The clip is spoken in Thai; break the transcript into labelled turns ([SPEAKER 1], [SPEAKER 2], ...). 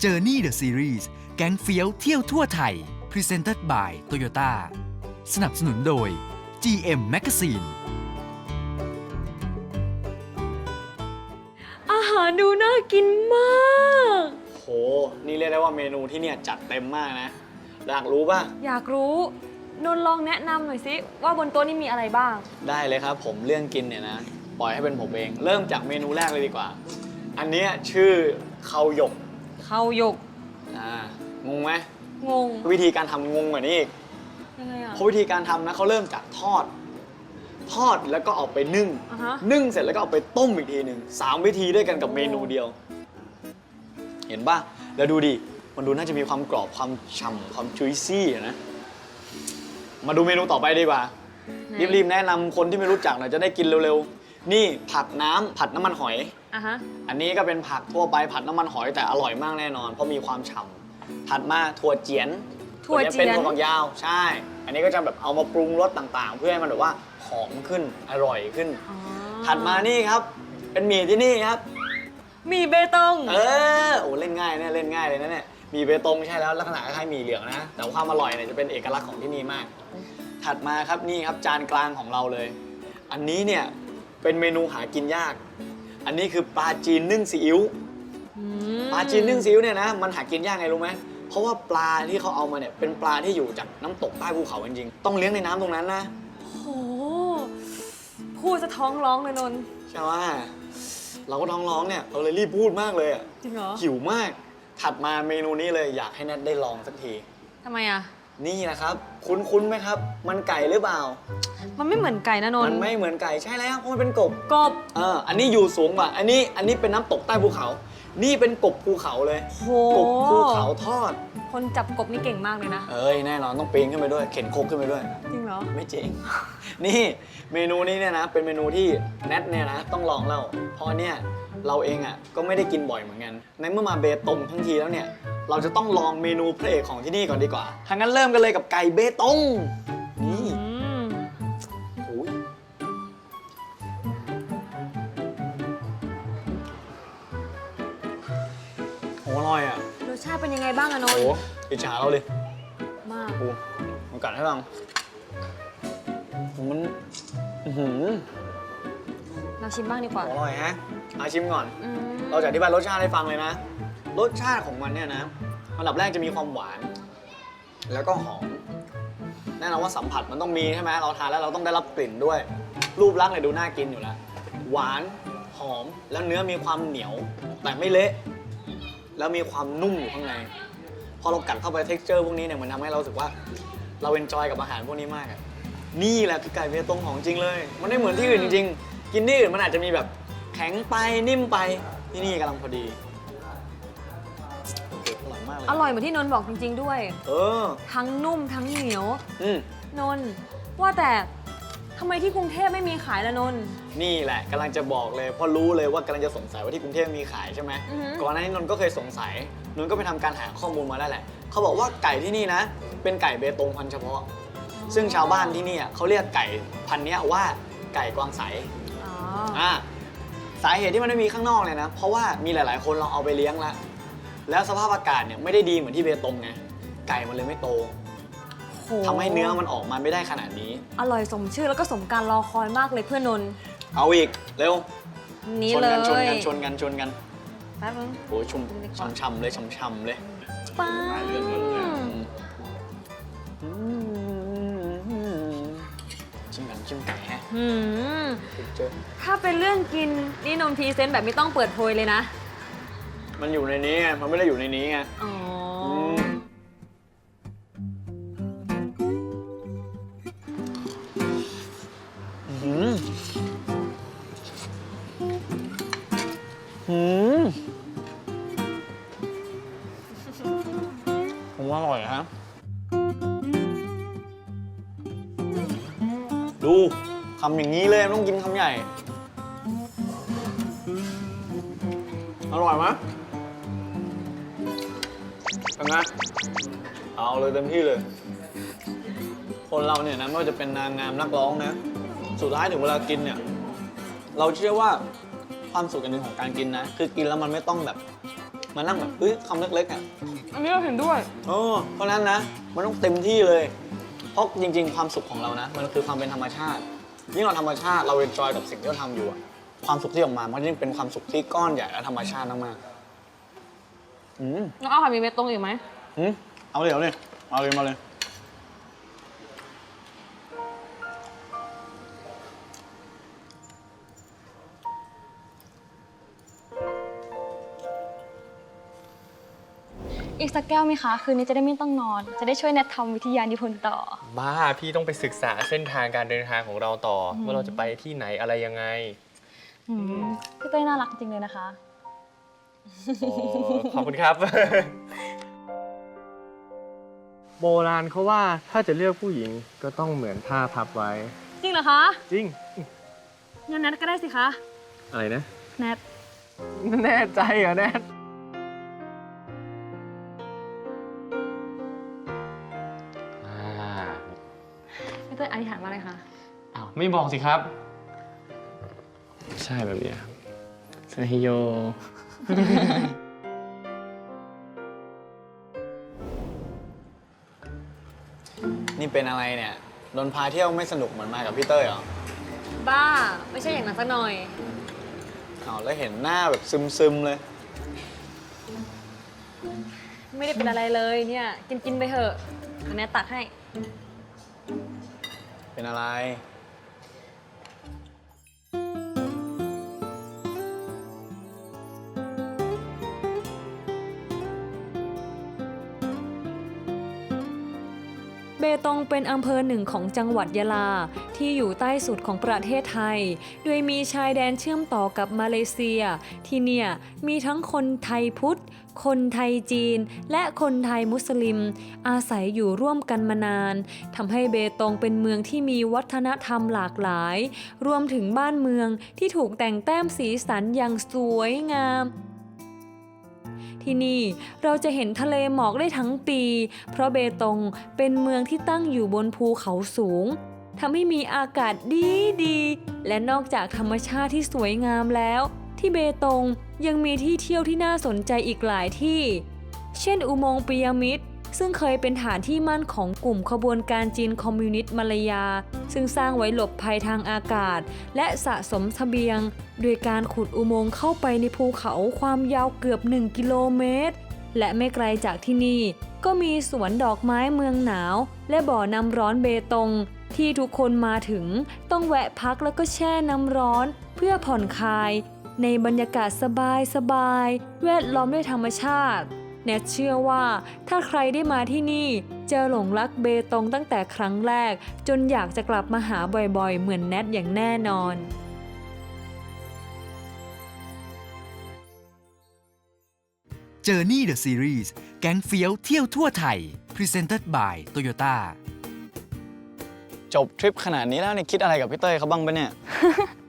[SPEAKER 1] Journey the Series แก๊งเฟี้ยวเที่ยวทั่วไทย Presented by Toyota สนับสนุนโดย GM Magazine
[SPEAKER 2] อาหารดูน่ากินมาก
[SPEAKER 3] โห นี่เรียกได้ว่าเมนูที่เนี่ยจัดเต็มมากนะ อยากรู้ป่ะ
[SPEAKER 2] อยากรู้นนท์ลองแนะนำหน่อยสิว่าบนโต๊ะนี้มีอะไรบ้าง
[SPEAKER 3] ได้เลยครับผมเรื่องกินเนี่ยนะ ปล่อยให้เป็นผมเอง เริ่มจากเมนูแรกเลยดีกว่า อันเนี้ยชื่อข้าวหยก
[SPEAKER 2] ข้าวหยก
[SPEAKER 3] งงไหม
[SPEAKER 2] งง
[SPEAKER 3] วิธีการทำงงกว่านี้อีก
[SPEAKER 2] ยังไงอ่ะ
[SPEAKER 3] เพราะวิธีการทำนะเขาเริ่มจากทอดแล้วก็เอาไปนึ่ง
[SPEAKER 2] อ่าฮะ
[SPEAKER 3] นึ่งเสร็จแล้วก็เอาไปต้มอีกทีหนึ่ง3 วิธีด้วยกันกับเมนูเดียว เห็นป่ะ แล้วดูดิ มันดูน่าจะมีความกรอบความฉ่ำความจุยซี่นะ มาดูเมนูต่อไปดีกว่า
[SPEAKER 2] ไหน
[SPEAKER 3] รีบๆแนะนำคนที่ไม่รู้จักหน่อยจะได้กินเร็วๆ นี่ผัดน้ำมันหอย
[SPEAKER 2] อ่ะฮะ
[SPEAKER 3] อันนี้ก็เป็นผักทั่วไปผัดน้ำมันหอยแต่อร่อยมากแน่นอน เพราะมีความฉ่ำถัดมาถั่วเจียน
[SPEAKER 2] ถั่วเจียน
[SPEAKER 3] เป็นถั่วฝักยาว ใช่ อันนี้ก็จะแบบเอามาปรุงรสต่างๆ เพื่อให้มันแบบว่าหอมขึ้นอร่อยขึ้น
[SPEAKER 2] อ๋อ
[SPEAKER 3] ถัดมานี่ครับ เป็นหมี่ที่นี่ครับ
[SPEAKER 2] มีเบตง
[SPEAKER 3] โอ้เล่นง่ายเนี่ยเล่นง่ายเลยนะเนี่ยหมี่เบตงใช่แล้วลักษณะคล้ายๆหมี่เหลืองนะ แต่ความอร่อยเนี่ยจะเป็นเอกลักษณ์ของที่นี่มาก ถัดมาครับนี่ครับจานกลางของเราเลย อันนี้เนี่ยเป็นเมนูหากินยาก อันนี้คือปลาจีนนึ่งซีอิ๊ว ปลาจีนนึ่งซีอิ๊วเนี่ยนะมันหากินยากไงรู้ไหมเพราะว่าปลาที่เขาเอามาเนี่ยเป็นปลาที่อยู่จากน้ำตกใต้ภูเขาจริงๆต้องเลี้ยงในน้ำตรงนั้นนะ
[SPEAKER 2] โหพูดจะท้องร้องเลยนนท์
[SPEAKER 3] ใช่ไหมเราก็ท้องร้องเนี่ยเราเลยรีบพูดมากเลยอะ
[SPEAKER 2] จริงเหรอ
[SPEAKER 3] หิวมาก ถัดมาเมนูนี้เลยอยากให้แนทได้ลองสักที
[SPEAKER 2] ทำไมอ่ะ
[SPEAKER 3] นี่นะครับคุ้นๆไหมครับ มันไก่หรือเปล่า
[SPEAKER 2] มันไม่เหมือนไก่นะนน
[SPEAKER 3] มัน
[SPEAKER 2] ท์
[SPEAKER 3] ไม่เหมือนไก่ใช่แล้วเพราะมันเป็นกบ
[SPEAKER 2] กบ
[SPEAKER 3] อันนี้อยู่สูงกว่าอันนี้เป็นน้ำตกใต้ภูเขา นี่เป็นกบภูเขาเลย
[SPEAKER 2] โห
[SPEAKER 3] กบภูเขาทอด
[SPEAKER 2] คนจับกบนี่เก่งมากเลยนะ
[SPEAKER 3] เอ้ยแน่นอนต้องปีนขึ้นไปด้วย เข็นครกขึ้นไปด้วย
[SPEAKER 2] จริงเหรอ
[SPEAKER 3] ไม่จริง นี่เมนูนี้เนี่ยนะเป็นเมนูที่แนทเนี่ยนะต้องลองแล้วเพราะเนี่ยเราเองอ่ะก็ไม่ได้กินบ่อยเหมือนกันในเมื่อมาเบตงทั้งทีแล้วเนี่ยเราจะต้องลองเมนูพระเอกของที่นี่ก่อนดีกว่าทางนั้นเริ่มกันเลยกับไก่เบตงนี่
[SPEAKER 2] อืม
[SPEAKER 3] โอ้ยโหอร่อยอ่ะ
[SPEAKER 2] รสชาติเป็นยังไงบ้างอะนน
[SPEAKER 3] โอ้
[SPEAKER 2] ท์
[SPEAKER 3] อิจฉาเราเลย
[SPEAKER 2] มาก
[SPEAKER 3] โอ้มันกัดให้ฟังมันอื้อหือ
[SPEAKER 2] เราชิมบ้างดีกว่า
[SPEAKER 3] อร่อยฮะมาชิมก่อน
[SPEAKER 2] อืม
[SPEAKER 3] เราจะอธิบายรสชาติให้ฟังเลยนะ รสชาติของมันเนี่ยนะอันดับแรกจะมีความหวาน แล้วก็หอม แน่นอนว่าสัมผัสมันต้องมีใช่ไหมเราทานแล้วเราต้องได้รับกลิ่นด้วย รูปลักษณ์เนี่ยดูน่ากินอยู่แล้ว หวาน หอม แล้วเนื้อมีความเหนียว แต่ไม่เละ แล้วมีความนุ่มอยู่ข้างใน พอเรากัดเข้าไป texture พวกนี้เนี่ยมันทำให้เรารู้สึกว่า เราเอนจอยกับอาหารพวกนี้มากอะนี่แหละคือไก่เบตงของจริงเลย มันไม่เหมือนที่อื่นจริงๆ กินที่อื่นมันอาจจะมีแบบแข็งไปนิ่มไป ที่นี่กำลังพอดีโอ้โหอร่อยมากเลย
[SPEAKER 2] อร่อยเหมือนที่นนท์บอกจริง ๆ ด้วย
[SPEAKER 3] เออ
[SPEAKER 2] ทั้งนุ่มทั้งเหนียว
[SPEAKER 3] อืม
[SPEAKER 2] นนท์ว่าแต่ทำไมที่กรุงเทพไม่มีขายละนนท์
[SPEAKER 3] นี่แหละกำลังจะบอกเลยเพราะรู้เลยว่ากำลังจะสงสัยว่าที่กรุงเทพมีขายใช่ไหม
[SPEAKER 2] อือฮึ
[SPEAKER 3] ก่อนหน้านี้นนท์ก็เคยสงสัยนนท์ก็ไปทำการหาข้อมูลมาแล้วแหละเขาบอกว่าไก่ที่นี่นะ เป็นไก่เบตงพันธุ์เฉพาะ ซึ่งชาวบ้านที่นี่เขาเรียกไก่พันธุ์เนี้ยว่าไก่กวางใส
[SPEAKER 2] อ๋อ
[SPEAKER 3] สาเหตุที่มันไม่มีข้างนอกเลยนะ เพราะว่ามีหลาย ๆ คนลองเอาไปเลี้ยงแล้วสภาพอากาศเนี่ยไม่ได้ดีเหมือนที่เบตงไงไก่มันเลยไม่โต
[SPEAKER 2] โห
[SPEAKER 3] ทำให้เนื้อมันออกมาไม่ได้ขนาดนี้
[SPEAKER 2] อร่อยสมชื่อแล้วก็สมการรอคอยมากเลยเพื่อนนนท์
[SPEAKER 3] เอาอีกเร็ว
[SPEAKER 2] นี่
[SPEAKER 3] ชน
[SPEAKER 2] เลย
[SPEAKER 3] กันชนกันชนกันชนกัน
[SPEAKER 2] แป๊บนึง
[SPEAKER 3] โอ้ยชุ่มช่ำๆเลยช่ำๆเลย
[SPEAKER 2] ป้า
[SPEAKER 3] ชิมกันชิมไก่ฮะ
[SPEAKER 2] หืม
[SPEAKER 3] เจอ
[SPEAKER 2] ถ้าเป็นเรื่องกินนี่นนท์พรีเซนต์แบบไม่ต้องเปิดโพยเลยนะ
[SPEAKER 3] มันอยู่ในนี้ไงมันไม่ได้อยู่ในนี้ไง
[SPEAKER 2] อ๋อ
[SPEAKER 3] อืมอืมผมว่าอร่อยฮะดูคำอย่างนี้เลยต้องกินคำใหญ่ อร่อยไหมเป็นไงเอาเลยเต็มที่เลย คนเราเนี่ยนะไม่ว่าจะเป็นนางงามนักร้องนะ สุดท้ายถึงเวลากินเนี่ย เราเชื่อว่าความสุขอันหนึ่งของการกินนะ คือกินแล้วมันไม่ต้องแบบมานั่งแบบเฮ้ยคำเล็กๆอ่ะ
[SPEAKER 2] อันนี้เราเห็นด้วย
[SPEAKER 3] เพราะนั้นนะมันต้องเต็มที่เลย เพราะจริงๆ ความสุขของเรานะ มันคือความเป็นธรรมชาติ ยิ่งเราธรรมชาติเราเอนจอยกับสิ่งที่เราทำอยู่อะความสุขที่ออกมามันก็ยิ่งเป็นความสุขที่ก้อนใหญ่และธรรมชาติมากๆอืม
[SPEAKER 2] แล้วเอาผัดหมี่เบตงอีกไหม
[SPEAKER 3] เอาเลยเอาเลยเอาเลยมาเลย
[SPEAKER 4] อีกสักแก้วไหมคะ คืนนี้จะได้ไม่ต้องนอน จะได้ช่วยแนททำวิทยานิพนธ์ต่อ
[SPEAKER 5] บ้าพี่ต้องไปศึกษาเส้นทางการเดินทางของเราต่อว่าเราจะไปที่ไหนอะไรยังไง
[SPEAKER 4] พี่เต้ยน่ารักจริงเลยนะคะ
[SPEAKER 5] โอ้ขอบคุณครับ โบราณเขาว่าถ้าจะเลือกผู้หญิงก็ต้องเหมือนผ้าพับไว้
[SPEAKER 2] จริงเหรอคะ
[SPEAKER 5] จริง
[SPEAKER 2] งั้นแนทก็ได้สิคะ
[SPEAKER 5] อะไรนะ
[SPEAKER 2] แนท
[SPEAKER 5] แน่ใจเหรอแนท
[SPEAKER 2] พี่เต้ยอธิษฐานว่าอะไรคะ
[SPEAKER 5] อ้าวไม่บอกสิครับ ใช่แบบนี้ครับซาฮิโย
[SPEAKER 3] นี่เป็นอะไรเนี่ยโดนพาเที่ยวไม่สนุกเหมือนมากับพี่เต้ยเหรอ
[SPEAKER 2] บ้า ไม่ใช่อย่างนั้นสักหน่อย
[SPEAKER 3] เอาแล้วเห็นหน้าแบบซึมๆเลย
[SPEAKER 2] ไม่ได้เป็นอะไรเลยเนี่ย กินไปเถอะเดี๋ยวแนทตักให้
[SPEAKER 3] เป็นอะไร
[SPEAKER 2] เบตงเป็นอำเภอหนึ่งของจังหวัดยะลาที่อยู่ใต้สุดของประเทศไทย โดยมีชายแดนเชื่อมต่อกับมาเลเซีย ที่เนี่ยมีทั้งคนไทยพุทธ คนไทยจีน และคนไทยมุสลิม อาศัยอยู่ร่วมกันมานานทำให้เบตงเป็นเมืองที่มีวัฒนธรรมหลากหลาย รวมถึงบ้านเมืองที่ถูกแต่งแต้มสีสันอย่างสวยงาม ที่นี่เราจะเห็นทะเลหมอกได้ทั้งปี เพราะเบตงเป็นเมืองที่ตั้งอยู่บนภูเขาสูงทำให้มีอากาศดีและนอกจากธรรมชาติที่สวยงามแล้ว ที่เบตงยังมีที่เที่ยวที่น่าสนใจอีกหลายที่ เช่นอุโมงค์พีระมิดซึ่งเคยเป็นฐานที่มั่นของกลุ่มขบวนการจีนคอมมิวนิสต์มาลายา ซึ่งสร้างไว้หลบภัยทางอากาศ และสะสมเสบียง โดยการขุดอุโมงค์เข้าไปในภูเขาความยาวเกือบ 1 กิโลเมตร และไม่ไกลจากที่นี่ก็มีสวนดอกไม้เมืองหนาว และบ่อน้ำร้อนเบตง ที่ทุกคนมาถึงต้องแวะพักแล้วก็แช่น้ำร้อนเพื่อผ่อนคลาย ในบรรยากาศสบายๆแวดล้อมด้วยธรรมชาติแนทเชื่อว่าถ้าใครได้มาที่นี่จะหลงรักเบตงตั้งแต่ครั้งแรกจนอยากจะกลับมาหาบ่อยๆเหมือนแนทอย่างแน่นอน
[SPEAKER 1] Journey the Series แก๊งเฟี้ยวเที่ยวทั่วไทย Presented by Toyota
[SPEAKER 3] จบทริปขนาดนี้แล้วเนี่ยคิดอะไรกับพี่เต้ยเขาบ้างปะเนี่ย